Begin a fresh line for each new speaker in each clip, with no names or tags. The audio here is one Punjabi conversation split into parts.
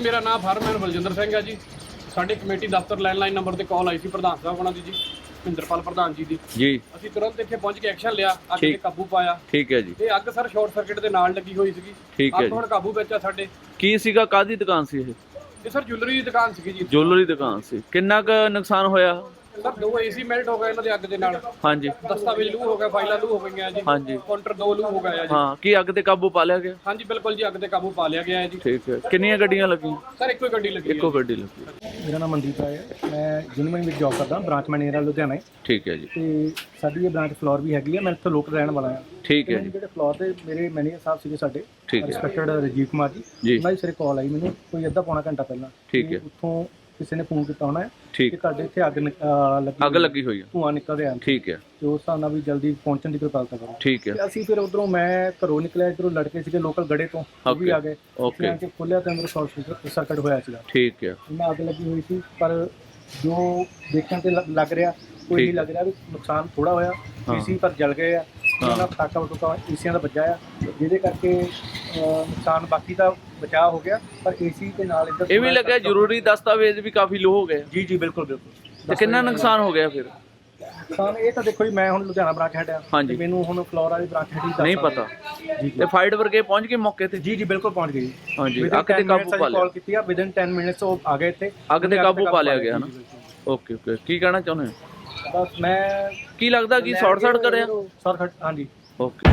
ਭਾਜੀ ਮੇਰਾ ਨਾਮ ਫਾਰਮੈਨ ਬਲਜਿੰਦਰ ਸਿੰਘ ਹੈ ਜੀ। ਸਾਡੀ ਕਮੇਟੀ ਦਫ਼ਤਰ ਲੈਂਡਲਾਈਨ ਨੰਬਰ ਤੇ ਕਾਲ ਆਈ ਸੀ ਪ੍ਰਧਾਨ ਸਾਹਿਬ ਉਹਨਾਂ ਦੀ ਜੀ, ਮਹਿੰਦਰਪਾਲ ਪ੍ਰਧਾਨ ਜੀ ਦੀ। ਅਸੀਂ ਤੁਰੰਤ ਇੱਥੇ ਪਹੁੰਚ ਕੇ ਐਕਸ਼ਨ ਲਿਆ, ਅੱਗ ਤੇ ਕਾਬੂ ਪਾਇਆ।
ਠੀਕ ਹੈ ਜੀ।
ਇਹ ਅੱਗ ਸਰ ਸ਼ਾਰਟ ਸਰਕਟ ਦੇ ਨਾਲ ਲੱਗੀ ਹੋਈ ਸੀਗੀ। ਅੱਗ ਹੁਣ ਕਾਬੂ ਵਿੱਚ ਆ ਸਾਡੇ।
ਕੀ ਸੀਗਾ, ਕਾਹਦੀ ਦੁਕਾਨ ਸੀ ਇਹ
ਸਰ ਜੁਐਲਰੀ ਦੀ ਦੁਕਾਨ ਸੀਗੀ ਜੀ।
ਜੁਐਲਰੀ ਦੁਕਾਨ ਸੀ। ਕਿੰਨਾ ਕੁ ਨੁਕਸਾਨ ਹੋਇਆ
ਸਰ? 2 AC ਮੈਲਟ ਹੋ ਗਏ ਇਹਨਾਂ ਦੇ ਅੱਗ ਦੇ ਨਾਲ।
ਹਾਂਜੀ।
ਦਸਤਾਵੇਜ਼ ਲੂ ਹੋ ਗਿਆ, ਫਾਈਲਾਂ ਲੂ ਹੋ ਗਈਆਂ ਜੀ।
ਹਾਂਜੀ।
ਕਾਊਂਟਰ 2 ਲੂ ਹੋ ਗਿਆ ਜੀ।
ਹਾਂ, ਕੀ ਅੱਗ ਤੇ ਕਾਬੂ ਪਾ ਲਿਆ ਗਿਆ?
ਹਾਂਜੀ ਬਿਲਕੁਲ ਜੀ, ਅੱਗ ਤੇ ਕਾਬੂ ਪਾ ਲਿਆ ਗਿਆ ਹੈ ਜੀ।
ਠੀਕ ਹੈ। ਕਿੰਨੀਆਂ ਗੱਡੀਆਂ ਲੱਗੀਆਂ?
ਸਰ ਇੱਕੋ ਹੀ ਗੱਡੀ ਲੱਗੀ।
ਇੱਕੋ ਗੱਡੀ ਲੱਗੀ।
ਮੇਰਾ ਨਾਮ ਮਨਦੀਪ ਰਾਏ ਹੈ, ਮੈਂ ਜਿਨਮਨ ਵਿੱਚ ਜੌਬ ਕਰਦਾ, ਬ੍ਰਾਂਚ ਮੈਨੇਜਰ ਲੁਧਿਆਣਾ।
ਠੀਕ ਹੈ ਜੀ।
ਤੇ ਸਾਡੀ ਇਹ ਬ੍ਰਾਂਚ ਫਲੋਰ ਵੀ ਹੈਗੀ ਹੈ, ਮੈਂ ਇੱਥੇ ਲੋਕਲ ਰਹਿਣ ਵਾਲਾ ਹਾਂ।
ਠੀਕ ਹੈ ਜੀ।
ਜਿਹੜੇ ਫਲੋਰ ਦੇ ਮੇਰੇ ਮੈਨੇਜਰ ਸਾਹਿਬ ਸੀਗੇ ਸਾਡੇ,
ਠੀਕ ਹੈ।
ਰਿਸਪੈਕਟਡ ਰਜੀਵ ਕੁਮਾਰ ਜੀ, ਉਹਨਾਂ ਦੀ ਸਿਰੇ ਕਾਲ ਆਈ ਮੈਨੂੰ ਕੋਈ ਅੱਧਾ ਪੌਣਾ ਘੰਟਾ ਪਹਿਲਾਂ।
ਠੀਕ ਹੈ।
ਉੱਥੋਂ ਕਿਸੇ ਨੇ ਫੋਨ ਕੀਤਾ ਹੋਣਾ ਹੈ
ਠੀਕ।
ਕਿ ਤੁਹਾਡੇ ਇੱਥੇ ਅੱਗ
ਲੱਗੀ ਹੋਈ ਹੈ,
ਧੂੰਆਂ ਨਿਕਲ ਰਿਹਾ।
ਠੀਕ ਹੈ।
ਤੇ ਉਸ ਹਿਸਾਬ ਨਾਲ ਵੀ ਜਲਦੀ ਪਹੁੰਚਣ ਦੀ ਕਿਰਪਾਲਤਾ ਕਰੋ।
ਠੀਕ ਹੈ।
ਤੇ ਅਸੀਂ ਫਿਰ ਉਧਰੋਂ ਮੈਂ ਘਰੋਂ ਨਿਕਲਿਆ, ਇੱਧਰੋਂ ਲੜਕੇ ਸੀਗੇ ਲੋਕਲ ਗੜੇ ਤੋਂ, ਉਹ ਵੀ ਆ ਗਏ।
ਓਕੇ।
ਕਿ ਖੋਲਿਆ ਤੇ ਅੰਦਰ ਸ਼ਾਰਟ ਸਰਕਟ ਹੋਇਆ ਸੀਗਾ।
ਠੀਕ ਹੈ।
ਇਹਨਾਂ ਅੱਗ ਲੱਗੀ ਹੋਈ ਸੀ, ਪਰ ਜੋ ਦੇਖਣ ਤੇ ਲੱਗ ਰਿਹਾ ਕੋਈ ਨਹੀਂ ਲੱਗ ਰਿਹਾ ਵੀ ਨੁਕਸਾਨ ਥੋੜਾ ਹੋਇਆ। ਏਸੀ ਪਰ ਜਲ ਗਏ ਆ, ਉਹਨਾਂ ਦਾ ਪਟਾਕਾ ਵਟੂਕਾ ਏਸੀਆਂ ਦਾ ਵੱਜਾ ਆ, ਜਿਹਦੇ ਕਰਕੇ ਨੁਕਸਾਨ ਬਾਕੀ ਦਾ ਬਚਾਅ ਹੋ ਗਿਆ। ਪਰ ਏਸੀ ਦੇ ਨਾਲ ਇੱਧਰ
ਇਹ ਵੀ ਲੱਗਿਆ ਜ਼ਰੂਰੀ ਦਸਤਾਵੇਜ਼ ਵੀ ਕਾਫੀ ਲੋ ਹੋ ਗਏ।
ਜੀ ਜੀ ਬਿਲਕੁਲ ਬਿਲਕੁਲ।
ਤੇ ਕਿੰਨਾ ਨੁਕਸਾਨ ਹੋ ਗਿਆ ਫਿਰ?
ਨੁਕਸਾਨ ਇਹ ਤਾਂ ਦੇਖੋ ਜੀ, ਮੈਂ ਹੁਣ ਲੁਧਿਆਣਾ ਬ੍ਰਾਂਚ ਹੈਡ ਆ, ਤੇ ਮੈਨੂੰ ਹੁਣ ਫਲੋਰ ਵਾਲੀ ਬ੍ਰਾਂਚ ਹੈਡ ਹੀ
ਨਹੀਂ ਪਤਾ।
ਜੀ
ਤੇ ਫਾਇਰ ਬ੍ਰਿਗੇਡ ਪਹੁੰਚ ਗਏ ਮੌਕੇ ਤੇ?
ਜੀ ਜੀ ਬਿਲਕੁਲ ਪਹੁੰਚ ਗਈ।
ਹਾਂਜੀ। ਅੱਗ ਤੇ ਕਾਬੂ ਪਾ ਲਿਆ।
ਕਾਲ ਕੀਤੀ ਆ, ਵਿਦਨ 10 ਮਿੰਟਸ ਉਹ ਆ ਗਏ ਇੱਥੇ।
ਅੱਗ ਤੇ ਕਾਬੂ ਪਾ ਲਿਆ ਗਿਆ ਨਾ। Okay okay. ਕੀ ਕਹਿਣਾ ਚਾਹੁੰਦੇ ਹੋ?
ਬਸ ਮੈਂ
ਕੀ ਲੱਗਦਾ ਕਿ ਸ਼ਾਰਟ ਸਰਕਟ ਕਰਿਆ?
ਸ਼ਾਰਟ ਸਰਕਟ, ਹਾਂਜੀ।
ਓਕੇ।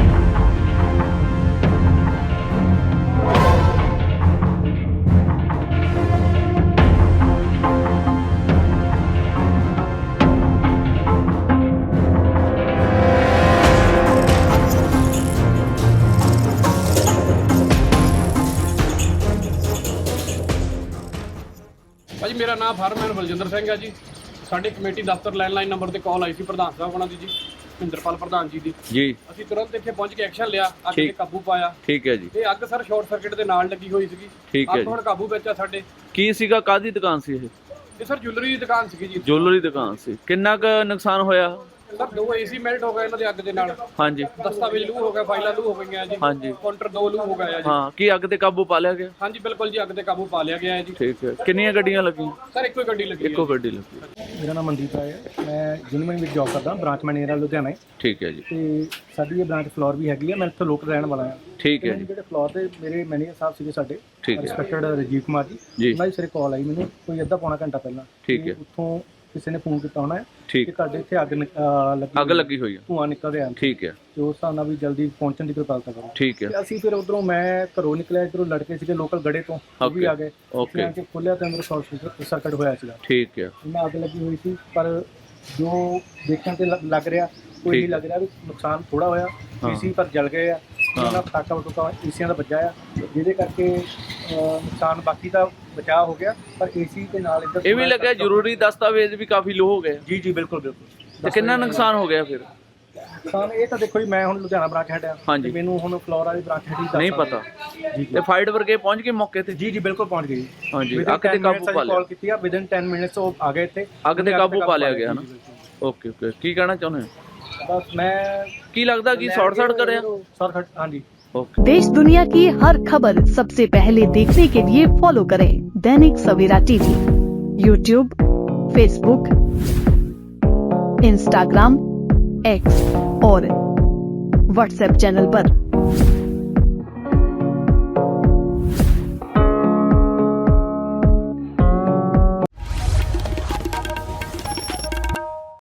ਭਾਜੀ ਮੇਰਾ ਨਾਮ ਫਾਰਮੈਨ ਬਲਜਿੰਦਰ ਸਿੰਘ ਹੈ ਜੀ। ਸਾਡੀ ਕਮੇਟੀ ਦਫ਼ਤਰ ਲੈਂਡਲਾਈਨ ਨੰਬਰ ਤੇ ਕਾਲ ਆਈ ਸੀ ਪ੍ਰਧਾਨ ਸਾਹਿਬ ਉਹਨਾਂ ਦੀ ਜੀ, ਮਹਿੰਦਰਪਾਲ ਪ੍ਰਧਾਨ ਜੀ ਦੀ। ਅਸੀਂ ਤੁਰੰਤ ਇੱਥੇ ਪਹੁੰਚ ਕੇ ਐਕਸ਼ਨ ਲਿਆ, ਅੱਗ ਤੇ ਕਾਬੂ ਪਾਇਆ।
ਠੀਕ ਹੈ ਜੀ।
ਇਹ ਅੱਗ ਸਰ ਸ਼ਾਰਟ ਸਰਕਟ ਦੇ ਨਾਲ ਲੱਗੀ ਹੋਈ ਸੀਗੀ।
ਠੀਕ ਹੈ।
ਅੱਗ ਹੁਣ ਕਾਬੂ ਵਿੱਚ ਆ ਸਾਡੇ।
ਕੀ ਸੀਗਾ, ਕਾਹਦੀ ਦੁਕਾਨ ਸੀ ਇਹ
ਸਰ ਜੁਐਲਰੀ ਦੀ ਦੁਕਾਨ ਸੀਗੀ ਜੀ।
ਜੁਐਲਰੀ ਦੁਕਾਨ ਸੀ। ਕਿੰਨਾ ਕੁ ਨੁਕਸਾਨ ਹੋਇਆ?
ਸਰ 2 AC ਮੈਲਟ ਹੋ ਗਏ ਇਹਨਾਂ ਦੇ ਅੱਗ ਦੇ ਨਾਲ।
ਹਾਂਜੀ।
ਦਸਤਾਵੇਜ਼ ਲੂ ਹੋ ਗਿਆ, ਫਾਈਲਾਂ ਲੂ ਹੋ ਗਈਆਂ ਜੀ।
ਹਾਂਜੀ।
ਕਾਊਂਟਰ 2 ਲੂ ਹੋ ਗਿਆ ਜੀ।
ਹਾਂ, ਕੀ ਅੱਗ ਤੇ ਕਾਬੂ ਪਾ ਲਿਆ ਗਿਆ?
ਹਾਂਜੀ ਬਿਲਕੁਲ ਜੀ, ਅੱਗ ਤੇ ਕਾਬੂ ਪਾ ਲਿਆ ਗਿਆ ਹੈ ਜੀ।
ਠੀਕ ਹੈ। ਕਿੰਨੀਆਂ ਗੱਡੀਆਂ ਲੱਗੀਆਂ?
ਸਰ ਇੱਕੋ ਹੀ ਗੱਡੀ ਲੱਗੀ।
ਇੱਕੋ ਗੱਡੀ ਲੱਗੀ।
ਮੇਰਾ ਨਾਮ ਮਨਦੀਪ ਰਾਏ ਹੈ, ਮੈਂ ਜਿਨਮਨ ਵਿੱਚ ਜੌਬ ਕਰਦਾ, ਬ੍ਰਾਂਚ ਮੈਨੇਜਰ ਲੁਧਿਆਣਾ।
ਠੀਕ ਹੈ ਜੀ।
ਤੇ ਸਾਡੀ ਇਹ ਬ੍ਰਾਂਚ ਫਲੋਰ ਵੀ ਹੈਗੀ ਹੈ, ਮੈਂ ਇੱਥੇ ਲੋਕਲ ਰਹਿਣ ਵਾਲਾ ਹਾਂ।
ਠੀਕ ਹੈ ਜੀ।
ਜਿਹੜੇ ਫਲੋਰ ਦੇ ਮੇਰੇ ਮੈਨੇਜਰ ਸਾਹਿਬ ਸੀਗੇ ਸਾਡੇ,
ਠੀਕ ਹੈ।
ਰਿਸਪੈਕਟਡ ਰਜੀਵ ਕੁਮਾਰ ਜੀ, ਉਹਨਾਂ ਦੀ ਸਿਰੇ ਕਾਲ ਆਈ ਮੈਨੂੰ ਕੋਈ ਅੱਧਾ ਪੌਣਾ ਘੰਟਾ ਪਹਿਲਾਂ।
ਠੀਕ ਹੈ।
ਉੱਥੋਂ ਕਿਸੇ ਨੇ ਫੋਨ ਕੀਤਾ ਹੋਣਾ ਹੈ
ਠੀਕ।
ਕਿ ਤੁਹਾਡੇ ਇੱਥੇ
ਅੱਗ ਲੱਗੀ ਹੋਈ ਹੈ,
ਧੂੰਆਂ ਨਿਕਲ ਰਿਹਾ।
ਠੀਕ ਹੈ।
ਤੇ ਉਸ ਹਿਸਾਬ ਨਾਲ ਵੀ ਜਲਦੀ ਪਹੁੰਚਣ ਦੀ ਕਿਰਪਾਲਤਾ ਕਰੋ।
ਠੀਕ ਹੈ।
ਤੇ ਅਸੀਂ ਫਿਰ ਉਧਰੋਂ ਮੈਂ ਘਰੋਂ ਨਿਕਲਿਆ, ਇੱਧਰੋਂ ਲੜਕੇ ਸੀਗੇ ਲੋਕਲ ਗੜੇ ਤੋਂ, ਉਹ ਵੀ ਆ ਗਏ।
ਓਕੇ।
ਕਿ ਖੋਲਿਆ ਤੇ ਅੰਦਰ ਸ਼ਾਰਟ ਸਰਕਟ ਹੋਇਆ ਸੀਗਾ।
ਠੀਕ ਹੈ।
ਇਹਨਾਂ ਅੱਗ ਲੱਗੀ ਹੋਈ ਸੀ, ਪਰ ਜੋ ਦੇਖਣ ਤੇ ਲੱਗ ਰਿਹਾ ਕੋਈ ਨਹੀਂ ਲੱਗ ਰਿਹਾ ਵੀ ਨੁਕਸਾਨ ਥੋੜਾ ਹੋਇਆ। ਏਸੀ ਪਰ ਜਲ ਗਏ ਆ, ਉਹਨਾਂ ਦਾ ਪਟਾਕਾ ਵਟੂਕਾ ਏਸੀਆਂ ਦਾ ਵੱਜਾ ਆ, ਜਿਹਦੇ ਕਰਕੇ ਨੁਕਸਾਨ ਬਾਕੀ ਦਾ ਬਚਾਅ ਹੋ ਗਿਆ। ਪਰ ਏਸੀ ਦੇ ਨਾਲ ਇੱਧਰ
ਇਹ ਵੀ ਲੱਗਿਆ ਜ਼ਰੂਰੀ ਦਸਤਾਵੇਜ਼ ਵੀ ਕਾਫੀ ਲੋ ਹੋ ਗਏ।
ਜੀ ਜੀ ਬਿਲਕੁਲ ਬਿਲਕੁਲ।
ਤੇ ਕਿੰਨਾ ਨੁਕਸਾਨ ਹੋ ਗਿਆ ਫਿਰ?
ਨੁਕਸਾਨ ਇਹ ਤਾਂ ਦੇਖੋ ਜੀ, ਮੈਂ ਹੁਣ ਲੁਧਿਆਣਾ ਬ੍ਰਾਂਚ ਹੈਡ ਆ, ਤੇ ਮੈਨੂੰ ਹੁਣ ਫਲੋਰ ਵਾਲੀ ਬ੍ਰਾਂਚ ਹੈਡ ਹੀ
ਨਹੀਂ ਪਤਾ।
ਜੀ
ਤੇ ਫਾਇਰ ਬ੍ਰਿਗੇਡ ਪਹੁੰਚ ਗਏ ਮੌਕੇ ਤੇ?
ਜੀ ਜੀ ਬਿਲਕੁਲ ਪਹੁੰਚ ਗਈ।
ਹਾਂਜੀ। ਅੱਗ ਤੇ ਕਾਬੂ ਪਾ ਲਿਆ।
ਕਾਲ ਕੀਤੀ ਆ, ਵਿਦਨ 10 ਮਿੰਟਸ ਉਹ ਆ ਗਏ ਇੱਥੇ।
ਅੱਗ ਤੇ ਕਾਬੂ ਪਾ ਲਿਆ ਗਿਆ ਨਾ। Okay okay. ਕੀ ਕਹਿਣਾ ਚਾਹੁੰਦੇ ਹੋ?
बस मैं
ਕੀ ਲੱਗਦਾ ਕਿ शॉर्ट सर्किट करें?
शॉर्ट सर्किट, हाँ जी।
देश दुनिया की हर खबर सबसे पहले देखने के लिए फॉलो करें Dainik Savera TV, YouTube, Facebook, Instagram, X और व्हाट्सएप चैनल पर।